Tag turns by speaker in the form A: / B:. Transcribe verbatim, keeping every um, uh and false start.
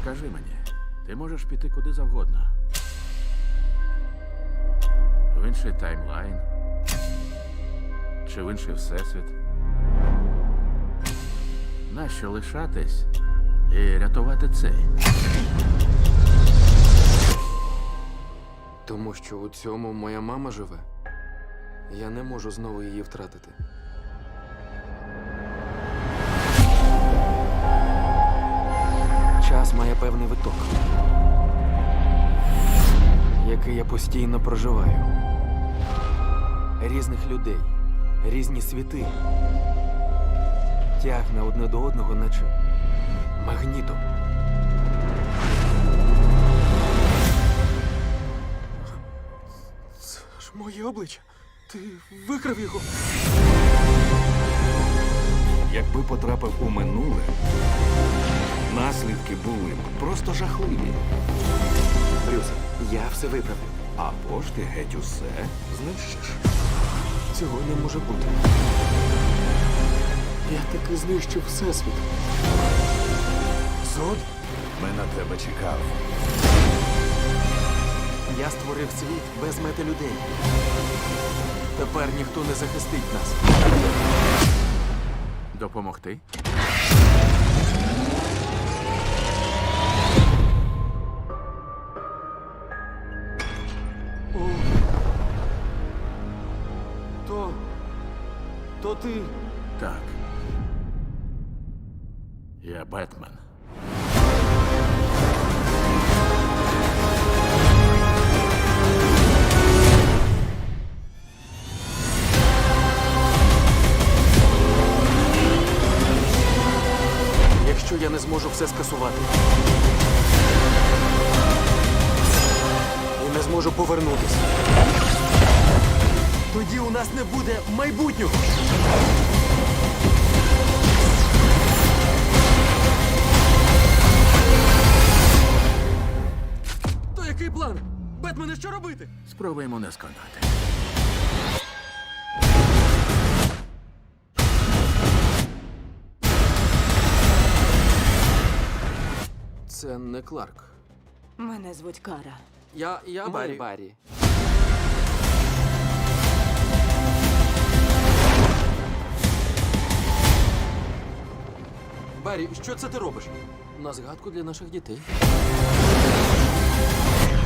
A: Скажи мені, ти можеш піти куди завгодно. В інший таймлайн. Чи в інший всесвіт. Нащо лишатись і рятувати цей?
B: Тому що у цьому моя мама живе. Я не можу знову її втратити. Час має певний виток, який я постійно проживаю. Різних людей, різні світи. Тягне одне до одного, наче магнітом. Це ж моє обличчя. Ти викрав його.
C: Якби потрапив у минуле, наслідки були б просто жахливі.
B: Брюс, я все виправлю.
C: Або ж ти геть усе знищиш.
B: Цього не може бути. Я таки знищив всесвіт. Зод?
C: Ми на тебе чекали.
B: Я створив світ без мети людей. Тепер ніхто не захистить нас.
A: Допомогти?
B: О. То... То ти...
A: Так. Я Бетмен.
B: Якщо я не зможу все скасувати і не зможу повернутися, тоді у нас не буде майбутнього. То який план? Бетмене, що робити?
A: Спробуємо не сконати.
B: Це не Кларк.
D: Мене звуть Кара.
B: Я, я
E: Ми
B: Барі.
E: Барі.
B: Барі, що це ти робиш? На згадку для наших дітей.